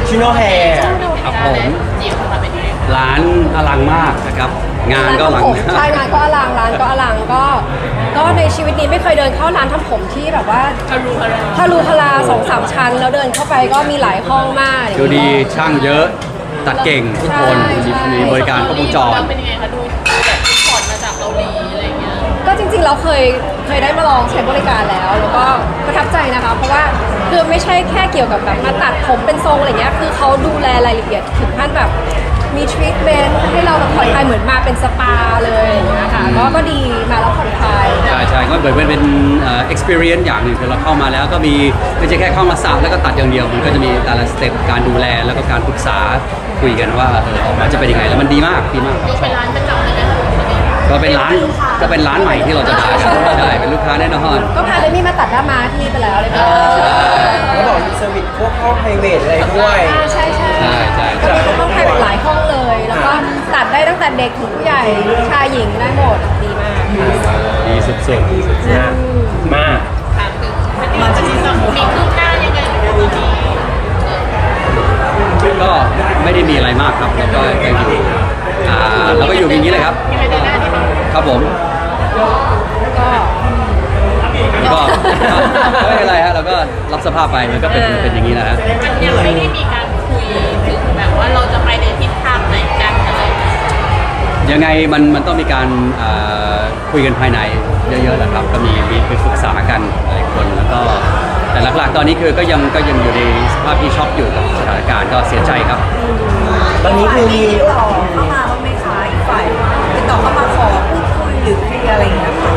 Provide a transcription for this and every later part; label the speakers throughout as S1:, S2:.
S1: ชิโนแฮร์
S2: ครับผมร้านอลังมากนะครับงานก็อลัง
S3: ใช่งานก็อลังร้านก็อลังก็ในชีวิตนี้ไม่เคยเดินเข้าร้านทำผมที่แบบว่าทะลุทะลา2-3 ชั้นแล้วเดินเข้าไปก็มีหลายห้องมาก
S2: ดูดีช่างเยอะตัดเก่งทุกคนมีบริการครบวงจร
S4: เป็นยังไงคะดูแบบถอดมาจากเกาหลีอะไรเงี้ย
S3: ก็จริงๆเราเคยได้มาลองใช้บริการแล้วก็ประทับใจนะคะเพราะว่าคือไม่ใช่แค่เกี่ยวกับแบบมาตัดผมเป็นทรงอะไรเงี้ยคือเขาดูแลรายละเอียดถึงขั้นแบบมีทรีทเมนต์ให้เราแบบผ่อนคลายเหมือนมาเป็นสปาเลยอย่างเงี้ยค่ะก็ดีมาแล้วผ่อนคลาย
S2: ใช่ก็เหมือนเป็นexperience อย่างหนึ่งคือเราเข้ามาแล้วก็มีไม่ใช่แค่เข้ามาสระแล้วก็ตัดอย่างเดียวมันก็จะมีแต่ละสเต็ปการดูแลแล้วก็การปรึกษาคุยกันว่าออกมาจะเป็นยังไงแล้วมันดีมากครับ
S4: ดู
S2: ช
S4: เป็
S2: อน บ
S4: ร้านประจำเลยไหมคะ
S2: ก็เป็นร้านใหม่ที่เราจะมากันใช่เป็นลูกค้าแน่นอน
S3: ก็พาเลยมี่มาตัดหน้าม้าที่นี่ไปแล้วเลยค่ะ
S1: แล้วบอกมีเซอร์วิสพวกห้องไพรเวทอะไรด้วย
S3: ใช่
S2: ใช่
S3: ก็มีห้องไพรเวทหลายห้องเลย แล้วก็ตัดได้ตั้งแต่เด็กถึงผู้ใหญ่ชายหญิงได้หมดดีมาก
S2: ดีสุด
S1: นะมา
S4: ถามถึงมันจะมีคืบหน้ายังไงตอนนี้
S2: ๆก็ไม่ได้มีอะไรมากครับแล้วก็ยังอยู่เราก็อยู่อย่างนี้เลยครับ
S4: มีอะไรเดินหน้าที่มัน
S2: ครับผม
S3: ก็
S2: ก็ไม่เป็นไรฮะเราก็รับสภาพไปมันก็เป็นอย่างนี้นะฮะ
S4: มันยังไม่ได้มีการคุยถึงแบบว่าเราจะไปในทิศทางไหนกันอะไรอย่างเงี้ย
S2: ยังไงมันต้องมีการคุยกันภายในเยอะๆแหละครับก็มีปรึกษากันหลายคนแล้วก็แต่หลักๆตอนนี้คือก็ยังอยู่ในสภาพที่ช็อกอยู่กับสถานการณ์ก็เสียใจครับ
S1: ตอนนี้คือมี
S5: ติดต่อเข้ามาบ้างไหมคะอีกฝ่ายติดต่อเข้ามาขอพูดคุยหรือเคลียร์อะไรอย่างเงี้ยค่ะ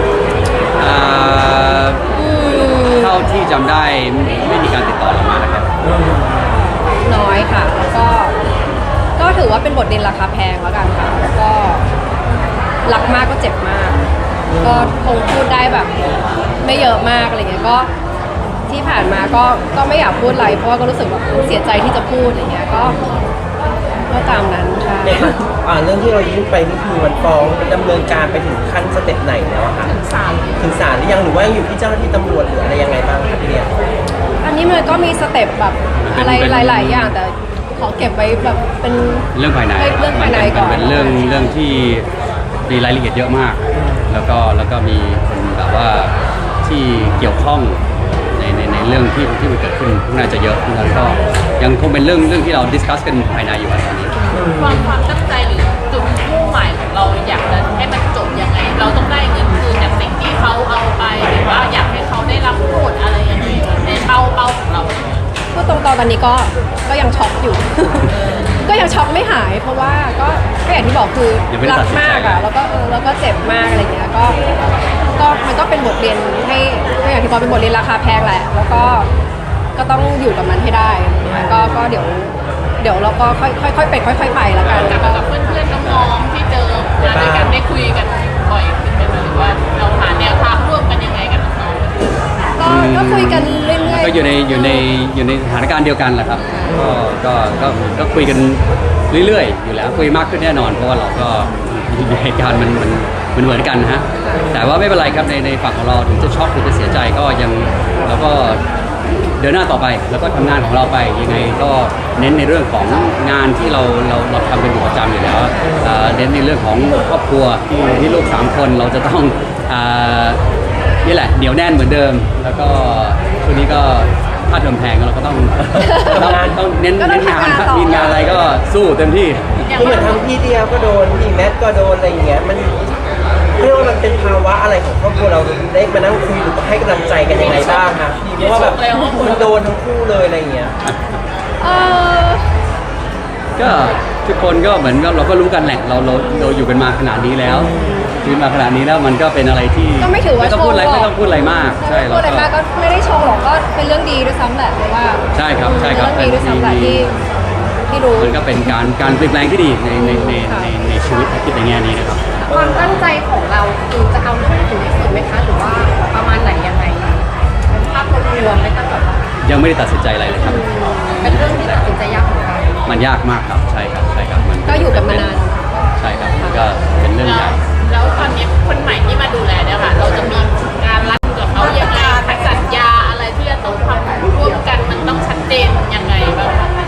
S2: เท่าที่จำได้ไม่มีการติดต่อเรามานะครับ
S3: น้อยค่ะ แล้วก็ถือว่าเป็นบทเรียนราคาแพงแล้วกันค่ะ แล้วก็รักมากก็เจ็บมาก ก็คงพูดได้แบบไม่เยอะมากอะไรเงี้ยก็ที่ผ่านมาก็ไม่อยากพูดอะไรเพราะว่าก็รู้สึกแบบเสียใจที่จะพูดอะไรเงี้ยก็ตามนั้นใช่
S1: เนี่ยเรื่องที่เรายื่นไปนี่คือมันฟ้องดำเนินการไปถึงขั้นสเต็ปไหนแล้วอะคะถึงศาลหรือยังหรือว่าอยู่ที่เจ้าหน้าที่ตำรวจหรืออะไรยังไงบ้างคะพี่เดีย
S3: อันนี้มันก็มีสเต็ปแบบอะไรหลายๆอย่างแต่ขอเก็บไว้แบบเป็น
S2: เรื่องภายใน
S3: เรื่องภายในก่อน
S2: มันเป็นเรื่องที่มีรายละเอียดเยอะมาก แล้วก็มีคนแบบว่าที่เกี่ยวข้องในเรื่องที่มันเกิดขึ้นน่าจะเยอะแล้วก็ยังคงเป็นเรื่องที่เราดิสคัสกันภายในอยู่ตอนนี้
S4: ความตั้งใจหรือจุดมุ่งหมายของเราอยากจะให้มันจบยังไง เราต้องได้เงินคืนจากสิ่งที่เขาเอาไปหรือว่าอยากให้เขาได้รับโทษอะไรยังไงในเป้าของเรา
S3: พูดตรงๆตอนนี้ก็ยังช็อกอยู่ ก็ยังช็อกไม่หาย เพราะว่าก็อย่างที่บอกคือ
S2: ยังไม่ได้
S3: รั
S2: ตัดสินใจ
S3: มากอะแล้วก็เจ็บมากอะไรเงี้ยก็มันก็เป็นบทเรียนให้ก็อย่างที่บอกเป็นบทเรียนราคาแพงแหละ แล้วก็ต้องอยู่กับมันให้ได้ก็เดี๋ยวเราก็ค่อยๆเป็นค่อยๆไปแล้วกัน
S4: กับเพื่อนๆน้องๆที่เจอมาด้วยกันได้คุยกันบ่อยขึ้นไหมหรือว่าเราหาแนวทางร่วมกันยังไงกับน้องๆ
S3: ก็คุยกันเรื่อยๆ
S2: ก็อยู่ในสถานการณ์เดียวกันแหละครับก็คุยกันเรื่อยๆอยู่แล้วคุยมากขึ้นแน่นอนเพราะว่าเราก็เหตุการณ์มันเหมือนกันนะฮะแต่ว่าไม่เป็นไรครับในฝั่งของเราถึงจะช็อกถึงจะเสียใจก็ยังเราก็เดินหน้าต่อไปแล้วก็ทำงานของเราไปยังไงก็เน้นในเรื่องของงานที่เราทำเป็นอยู่ประจำอยู่แล้วเน้นในเรื่องของครอบครัวที่ลูก3คนเราจะต้องนี่แหละเหนียวแน่นเหมือนเดิม แล้วก็ช่วงนี้ก็ค่าเทอมแพงเราก็ต้องเน้นงานมีงานอะไรก็สู้เต็มที่
S1: คือเหมือนทั้งพี่เดียก็โดนพี่แมทก็โดนอะไรอย่างเงี้ยมันเรียกว่ามันเป็นภาวะอะไรของครอบครัวเราได้มานั่งคุยหรือให้กำลังใจกันยังไงบ้างคะพี่เพราะว่าแบบมันโดนทั้งคู่เลยอะไรอย่างเงี้ย
S2: ก็ทุกคนก็เหมือนกับเราก็รู้กันแหละเราอยู่กันมาขนาดนี้แล้วชีวิตมาขนาดนี้แล้วมันก็เป็นอะไรที่
S3: ก็ไม่ถือว่า
S2: ต้องพูดอะไรไม่ต้องพูดอะไรมากใช่
S3: พูดอะไรมากก็ไม่ได้ชงหรอกก็เป็นเรื่องดีด้วยซ้ำแหละเพราะว่า
S2: ใช่ครับ
S3: เรื่องดีด้วยซ้ำแหละที่รู้
S2: มันก็เป็นการเปลี่ยนแปลงที่ดีในชีวิตคิดในแง่นี้นะครับ
S3: ความตั้งใจของเราคือจะเอาเรื่องถึงที่สุดไหมคะหรือว่าประมาณไหนยังไงเป็นภาพรวมไม่ต้องแบบว่า
S2: ยังไม่ได้ตัดสินใจอะไรเลยครับ
S3: เป็นเรื่องที่ตัดสินใจยากเหมือนกัน
S2: มันยากมากครับใช่ครับมัน
S3: ก็อยู่กันมานาน
S2: ใช่ครับมันก็เป็นเรื่องใหญ่
S4: แล้วตอนนี้คนใหม่ที่มาดูแลเนี่ยค่ะ เราจะมีการรัดกับเขายังไงสัญญาอะไรที่จะต้องทำร่วมกันมันต้องชัดเจนยังไงบ้างคะ
S3: ต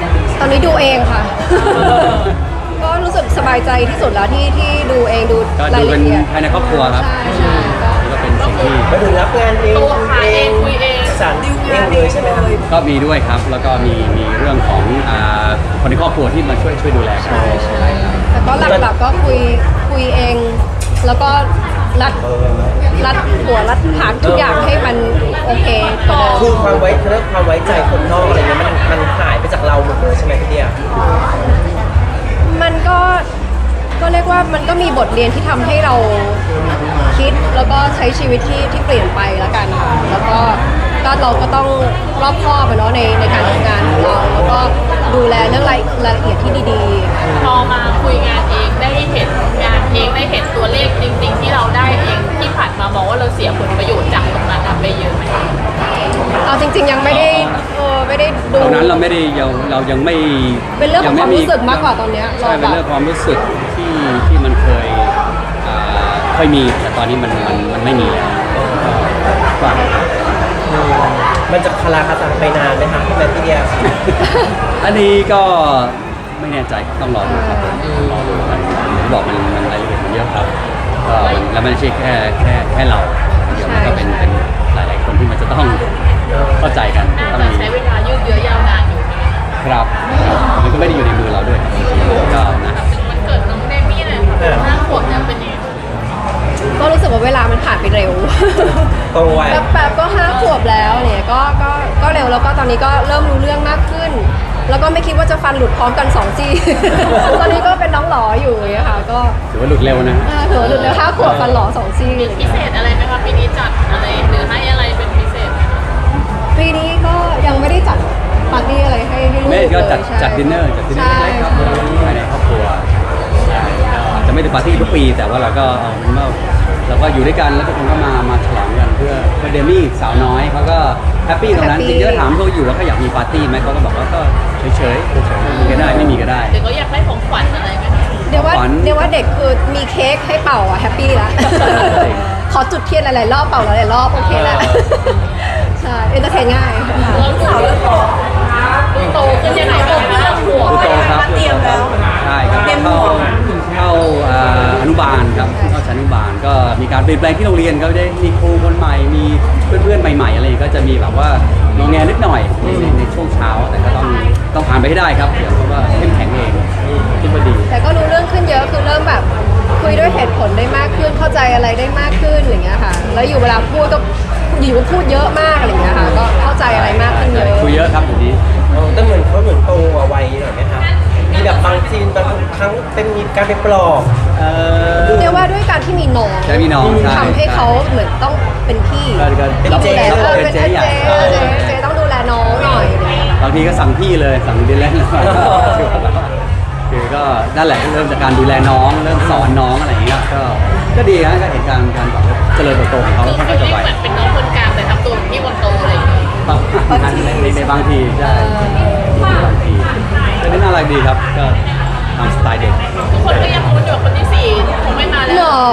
S3: อนนี้ดูเองค่ะ ก็รู้สึกสบายใจที่สุดแล้วที่ดูเองดู
S2: ก็
S3: รา
S2: ดู
S3: ย
S2: เป็
S3: ละ
S2: น
S3: เอียด
S2: ภายในครอบครัวครับ
S3: ใช่ใช่ก็
S2: ก็เป็นสิ่งที่
S1: มาถึงรับงานเอง
S4: ตัวหาเองคุยเอง
S1: สารดิวเองเลยใช่ไหมครับ
S2: ก็มีด้วยครับ แล้วก็มีเรื่องของคนในครอบครัวที่มาช่วยดูแลกัน
S3: ใช่แต่ก็หลักๆก็คุยเอง แล้วก็รัดหัวรัดหางทุกอย่างให้มันโอเคกว่าเดิม
S1: คือความไว้ใจคนนอกอะไรเงี้ยมันหายไปจากเราหมดเลยใช่ไหมพี่เดีย
S3: มันก็เรียกว่ามันก็มีบทเรียนที่ทำให้เราคิดแล้วก็ใช้ชีวิตที่เปลี่ยนไปแล้วกันค่ะแล้วก็เราก็ต้องรอบคอบอะเนาะในการทำงานของเราแล้วก็ดูแลเรื่องรายละเอียดที่ดีๆ
S4: พอมาคุยงานเองได้เห็นงานเองได้เห็นตัวเลขจริง ๆ ที่เราได้เองที่ผ่านมามองว่าเราเสียผลประโยชน์จากตรงนั้นไปเยอะไหม
S3: เอาจริงๆยังไม่ได้ไม่ได้ดู
S2: ตอนนั้นเราไม่ได้เรายังไม่
S3: เป็นเรื่องของความรู้สึกมากกว่าตอนเนี้ย
S2: ใช่เป็นเรื่องความรู้สึกที่มันเคยมีแต่ตอนนี้มันไม่มีแล้วก็
S1: มันจะคาราคาซังไปนานไหมคะพี่แมทพี่เดีย
S2: อันนี้ก็ไม่แน่ใจครับต้องรอดูครับรอดูกันผมบอกมันรายละเอียดมันเยอะครับก็แล้วมันไม่ใช่แค่เราเดี๋ยวมันก็เป็นหลายๆคนที่มันจะต้องเข้าใจกัน
S4: น่า
S2: ต้อง
S4: จะ
S2: มี
S4: ใช้เวลายืดเยื้อยาวนานอยู่นะคะ
S2: ครับมันก็ไม่ได้อยู่ในมือเราด้วยก็นะ
S4: มันเกิดน้องเดมี่เลยค่ะ5 ขวบเนี่ยเป็นยังไง
S3: ก็รู้สึกว่าเวลามันผ่านไปเร็ว
S1: ตรงวัย
S3: แป๊บๆก็5 ขวบแล้วเนี่ยก็เร็วแล้วก็ตอนนี้ก็เริ่มรู้เรื่องมากขึ้น แล้วก็ไม่คิดว่าจะฟันหลุดพร้อมกัน2 ซี่ ตอนนี้ก็เป็นน้องหลออยู่อย่างเงี้ยค่ะก็
S2: ถือว่าหลุดเร็วนะ
S3: ถือว่าหลุดแล้ว5 ขวบฟันหลอ2 ซี่
S4: มีพิเศษอะไรไหมคะปีนี้จัดอะไรหรือให้อะไรเป็นพิเศษไหมคะ
S3: ปีนี้ก็ยังไม่ได้จัดปาร์ตี้อะไรให้ลูก
S2: แม่ก็
S3: เลย
S2: จัดดินเนอร์เล็กๆครับภายในครอบครัวใช่ก็อาจจะไม่ได้ปาร์ตี้ทุกปี แต่ว่าเราก็เอาเป็นว่าเราก็อยู่ด้วยกันแล้วทุกคนก็มาฉลองกันเพื่อเดมี่สาวน้อยเขาก็แฮปปี้ตรงนั้นจริงๆก็ถามเขาอยู่ว่าเขาอยากมีปาร์ตี้ไหมเขาก็บอกว่าก็เฉยๆมีก็ได้ไม่มีก็ได้
S4: หรือเขาอยากได้ของขวัญอะไรไหมคะ
S3: เดี๋ยวว่า
S2: ขวัญ
S3: เด็กคือมีเค้กให้เป่าอะแฮปปี้ละ ขอจุดเทียนหลายๆรอบเป่าหลายๆรอบโอเคแล้วใช่เอนเตอร์เทนง่ายค่ะ
S4: เราสาวแล้วโตขึ้นยังไงบ้างคะหัว
S2: ผู้โตครับ
S5: เตรียมแล้ว
S2: ใช่ครับเข้าอนุบาลครับเข้าชั้นอนุบาลก็มีการเปลี่ยนแปลงที่โรงเรียนก็ได้มีครูคนใหม่มีเพื่อนๆใหม่ๆอะไรก็จะมีแบบว่างอแงนิดหน่อยในช่วงเช้าแต่ก็ต้องผ่านไปให้ได้ครับเดี๋ยวเขาก็เข้มแข็งเองคิดว่าดี
S3: แต่ก็รู้เรื่องขึ้นเยอะคือเริ่มแบบคุยด้วยเหตุผลได้มากขึ้นเข้าใจอะไรได้มากขึ้นอย่างเงี้ยค่ะ แล้วอยู่เวลาพูดก็อยู่ก็พูดเยอะมากอะไรเงี้ยค่ะก็เข้าใจอะไรมากขึ้นเยอะ
S2: คุยเยอะครับเดี๋ยวนี้
S1: แต่เหมือนเขาโตกว่าวัยหน่อยไหมคะมีแบบบางซีนบางครั้งเป็นมีการไปปลอบ
S3: เรียกว่าด้วยการที่มีน้อง
S2: ใช่มีน้องใช่
S3: ทำให้เขาเหมือนต้องเป็นพี่
S2: ก็
S3: ต้องดูแล
S2: เป็นเจ๊ใหญ่
S3: เจต้องดูแลน้องหน่อยอะไรเงี้ยค่ะ
S2: บางทีก็สั่งพี่เลยสั่งดินเล่นเลยคือก็นั่นแหละเริ่มจากการดูแลน้องเริ่มสอนน้องอะไรอย่างเงี้ยก็ดีฮะก็เห็นการแบบเจริญเติบโตของเขา
S4: คือ
S2: ค่อน
S4: ฟิ
S2: ข้าง
S4: ล
S2: จะ
S4: ลิ่ง
S2: ไว
S4: เหมือนเป็นน้องคนกลางแต่ทำตัวเป็นพี่คนโตอะไรอย่างเงี้ย
S2: ในบางทีใช่บางทีก็น่ารักดีครับก็ตามสไตล์เด็ก
S4: ทุกคนก็ยังพูดอยู่คนที่4คงไม่มาแล้ว
S3: หรอ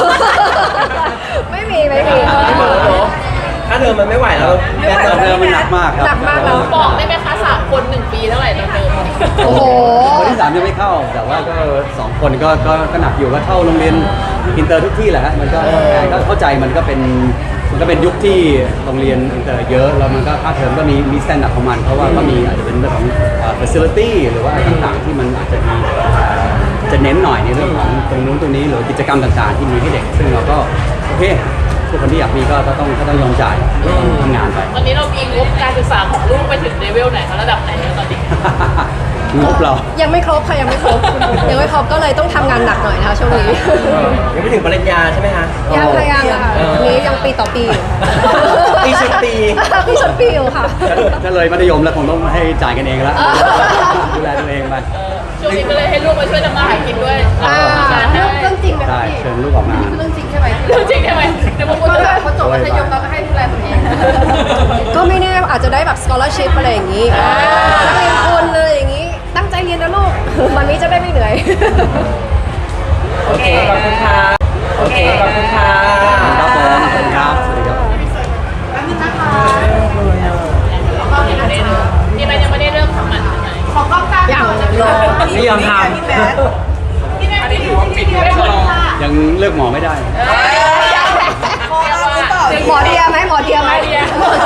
S3: ไม่มี
S1: ถ้าเธอมันไม่ไหวแล้วแบท
S2: เดิมมันหนักมากครับ
S3: หนักมากแล้ว
S4: บอกได้ไหมคะ3 คน1 ปีเท่าไหร่ตอนเดิม
S3: โอ้โห
S2: คนที่3ยังไม่เข้า แต่ว่าก็2 คนก็หนักอยู่ก็เข้าโรงเรียนอินเตอร์ทุกที่แหละฮะมันก็เข้าใจมันก็เป็นยุคที่โรงเรียนอินเตอร์เยอะแล้วมันก็ค่าเทอมก็มีสแตนดาร์ดของมันเพราะว่าก็มีอาจจะเป็นเรื่องของ facility หรือว่าอะไรต่างๆที่มันอาจจะมีจะเน้นหน่อยในเรื่องของตรงนู้นตรงนี้หรือกิจกรรมต่างๆที่มีให้เด็ก ซึ่งเราก็โอเคทุกคนที่อยากมีก็ต้องยอมจ่ายทำงานไป
S4: ตอนนี้เรามีงบการศึกษาของลูกไปถึงเลเวลไหนคะระดับไหนแล้วตอนนี้
S2: งบเรา
S3: ยังไม่ครบค่ะยังไม่ครบก็เลยต้องทำงานหนักหน่อยนะคะช่วงนี้
S1: ยังไม่ถึงปริญญาใช่ไหมคะ
S3: ยังค่ะยังค่ะอันนี้ยังปีต่อปีอยู่ค่ะ
S1: ปีชนปี
S3: ปีชนปีอยู่ค่ะ
S2: ถ้าเลยมัธยมแล้วคงต้องให้จ่ายกันเองแล้วดูแลตัวเองไป
S4: ช่วงนี้ก็เลยให้ลูกมาช่วยทำมาหากินด้วย
S3: อ่า
S4: ทำงานได้
S3: เรื่องจริงไหม
S2: ใช่
S3: พี่
S2: เชิญลูกออกงาน
S3: เรื่องจริงใช่ไหม
S4: เรื่องจริงใช่ไหมเดี๋ยวผมพูด
S3: ก็
S4: ด้วย
S3: พอจบมัธยมเราก็ให้ดูแลตัวเอง ก็ไม่แน่อาจจะได้แบบ scholarship อะไรอย่างนี้นักเรียนทุนเลยอย่างนี้ ตั้งใจเรียนนะลูก วันนี้จะได้ไม่เหนื่อย
S1: โอเคขอบคุณค่ะโอเคขอบคุณค่ะ
S2: ครับผมขอบคุณครับสวัสดีครับ
S4: ที่มันยังไม่ได้เริ่มทำมันใช่ไหม
S5: ขอกล้องกลางรอ
S1: ไม่ยอมทำ
S5: พี่แมท
S4: อันนี้ถือว่าปิดไม่รอ
S2: ยังเลือกหมอไม่ได้
S5: พอแล้วหรือเปล่า
S3: หมอเดียไหมหมอเดียไหมหมอ